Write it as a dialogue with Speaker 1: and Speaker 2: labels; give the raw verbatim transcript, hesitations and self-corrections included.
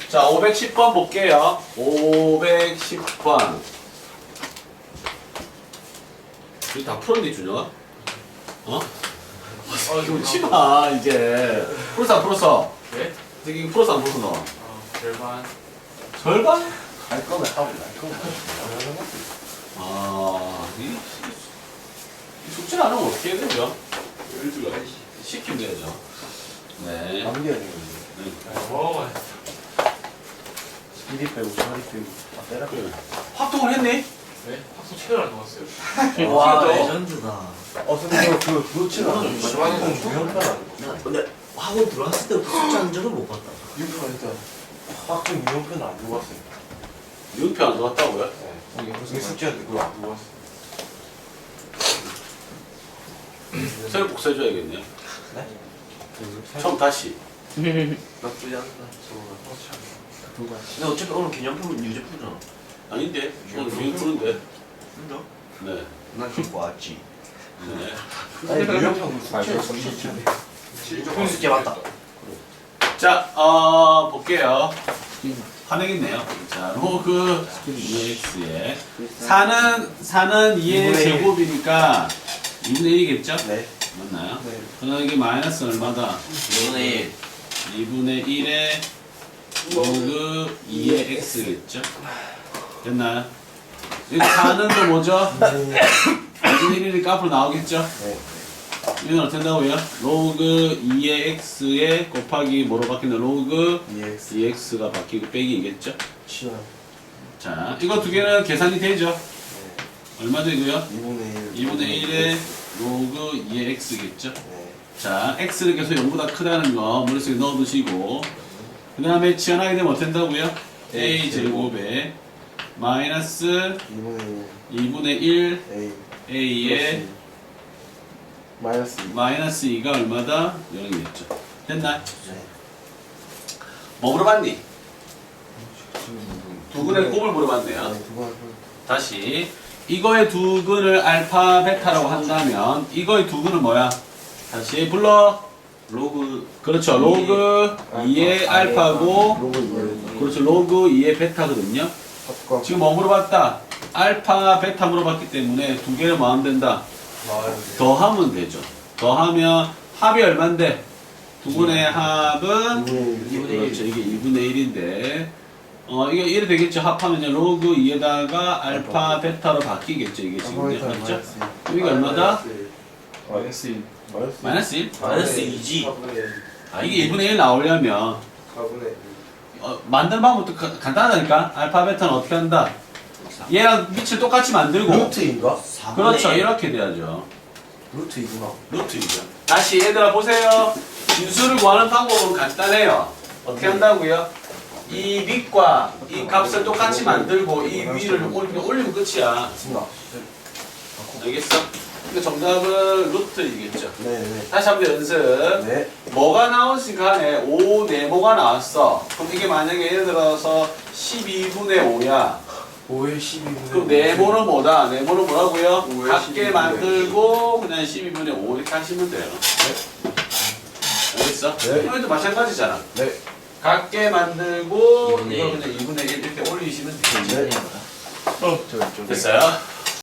Speaker 1: 자, 오백십 번 볼게요. 오백십 번. 이거 다 풀었니, 준영아? 어? 아, 웃지 마, 이제. 풀었어, 안 풀었어?
Speaker 2: 네?
Speaker 1: 이게 풀었어, 안 풀었어, 너?
Speaker 2: 어, 절반.
Speaker 1: 절반?
Speaker 3: 할 거면 하고 말 거면 하는 거지.
Speaker 1: 아, 이, 이 숙제를 안 하면 어떻게 해야 되죠? 일주일 시키면 되죠. 네.
Speaker 3: 남겨야 되는 거지.
Speaker 1: 네.
Speaker 2: 먹어봐요.
Speaker 3: 이리 빼고 저리 빼고 다 빼라.
Speaker 1: 그래. 확동을 했니?
Speaker 2: 네? 학습 책을 안 넣었어요.
Speaker 4: 와
Speaker 1: 또?
Speaker 4: 레전드다.
Speaker 3: 어 근데 그, 그 그렇지는 않아.
Speaker 2: 마지막에는
Speaker 3: 중요한 편 아니고.
Speaker 4: 나 근데 학원 들어왔을 때부터 숙제하는 적은 못 봤다.
Speaker 3: 유표 일단 학생 유형편 안 두고 왔어요.
Speaker 1: 유표 안 좋았다고요?
Speaker 3: 네. 우리 숙제한테 그거 안 두고 왔어.
Speaker 1: 새로 복사해줘야겠네요.
Speaker 3: 네?
Speaker 1: 처음 다시.
Speaker 4: 나쁘지 않다.
Speaker 3: 두고 왔어.
Speaker 4: 근데 어차피 오늘 기념품은 유제 풀잖아.
Speaker 1: 아닌데? 오늘 유형 푸는데.
Speaker 4: 진짜?
Speaker 1: 네.
Speaker 4: 난 듣고 왔지.
Speaker 1: 네.
Speaker 3: 아니 유형편 숙제 숙제.
Speaker 4: 숙제 맞다.
Speaker 1: 자, 어, 볼게요. 화내겠네요. 자, 로그 이엑스에 사는, 사는 이의
Speaker 3: 이분의 일.
Speaker 1: 제곱이니까 이분의 일이겠죠?
Speaker 3: 네.
Speaker 1: 맞나요?
Speaker 3: 네.
Speaker 1: 그럼 이게 마이너스 얼마다?
Speaker 4: 이분의 일.
Speaker 1: 이분의 일에 로그 이의 x겠죠? 됐나요? 여기 사는 거 뭐죠? 이분의 일이니까 앞으로 나오겠죠?
Speaker 3: 네.
Speaker 1: 이건 어떻게 된다고요? 로그 이의 x에 곱하기 뭐로 바뀌는 로그
Speaker 3: 이엑스.
Speaker 1: 이엑스가 바뀌고 빼기겠죠?
Speaker 3: 치환.
Speaker 1: 자, 이거 두 개는 계산이 되죠?
Speaker 3: 네.
Speaker 1: 얼마 되고요?
Speaker 3: 이분의 일.
Speaker 1: 이분의 일에 로그 이의 x겠죠?
Speaker 3: 네.
Speaker 1: 자, x는 계속 영보다 크다는 거 머릿속에 넣어두시고 그 다음에 치환하게 되면 어떻게 된다고요? a 제곱에 마이너스
Speaker 3: 이분의 일.
Speaker 1: 이분의 일
Speaker 3: A.
Speaker 1: a에
Speaker 3: 마이너스 이.
Speaker 1: 마이너스 이가 얼마다? 영이겠죠. 됐나?
Speaker 3: 네.
Speaker 1: 뭐 물어봤니? 두근의 곱을 물어봤네요.
Speaker 3: 네, 두 번.
Speaker 1: 다시 이거의 두근을 알파 베타라고 한다면 이거의 두근은 뭐야? 다시 불러.
Speaker 4: 로그.
Speaker 1: 그렇죠. 로그 이의 알파고
Speaker 3: 로그 이의
Speaker 1: 그렇죠. 로그 이의 베타거든요.
Speaker 3: 합과.
Speaker 1: 지금 뭐 물어봤다? 알파 베타 물어봤기 때문에 두 개를 뭐 하면 된다? 더하면 되죠. 더하면 합이 얼만데? 두근의 합은
Speaker 3: 이분의 일.
Speaker 1: 그렇죠. 이게 이분의 일인데 어 이게 일이 되겠죠. 합하면요. 로그 이에다가 알파 베타로 바뀌겠죠. 이게 지금 맞죠? 이게 얼마다?
Speaker 3: 마이너스 일. 마이너스
Speaker 1: 마이너스 일?
Speaker 4: 마이너스 이지.
Speaker 1: 아 이게 이분의 일 나오려면
Speaker 3: 사분의
Speaker 1: 어, 만드는 방법도 가- 간단하다니까. 알파 베타는 어떻게 한다? 얘랑 밑을 똑같이 만들고
Speaker 3: 루트인가?
Speaker 1: 그렇죠. 이렇게 돼야죠.
Speaker 3: 루트이구나.
Speaker 1: 루트이죠. 다시 얘들아 보세요. 진수를 구하는 방법은 간단해요. 어떻게 한다고요? 이 밑과 이 값을 똑같이 만들고 이 위를 올리면, 올리면 끝이야.
Speaker 3: 맞습니다.
Speaker 1: 알겠어? 근데 정답은 루트이겠죠.
Speaker 3: 네네.
Speaker 1: 다시 한번 연습.
Speaker 3: 네.
Speaker 1: 뭐가 나오지 간에 오 네모가 나왔어. 그럼 이게 만약에 예를 들어서 십이분의 오야.
Speaker 3: 오의 십이분의
Speaker 1: 그럼 네모는 뭐다? 네모는 뭐라고요?
Speaker 3: 오의
Speaker 1: 같게
Speaker 3: 십이분의
Speaker 1: 만들고 그냥 십이분의 오 이렇게 하시면 돼요. 알겠어?
Speaker 3: 네.
Speaker 1: 이것도 마찬가지잖아.
Speaker 3: 네.
Speaker 1: 같게 만들고
Speaker 4: 이분의
Speaker 1: 이걸
Speaker 4: 일.
Speaker 1: 그냥 이분의 일 이렇게 올리시면 되죠.
Speaker 3: 네.
Speaker 4: 어, 저, 저.
Speaker 1: 됐어요?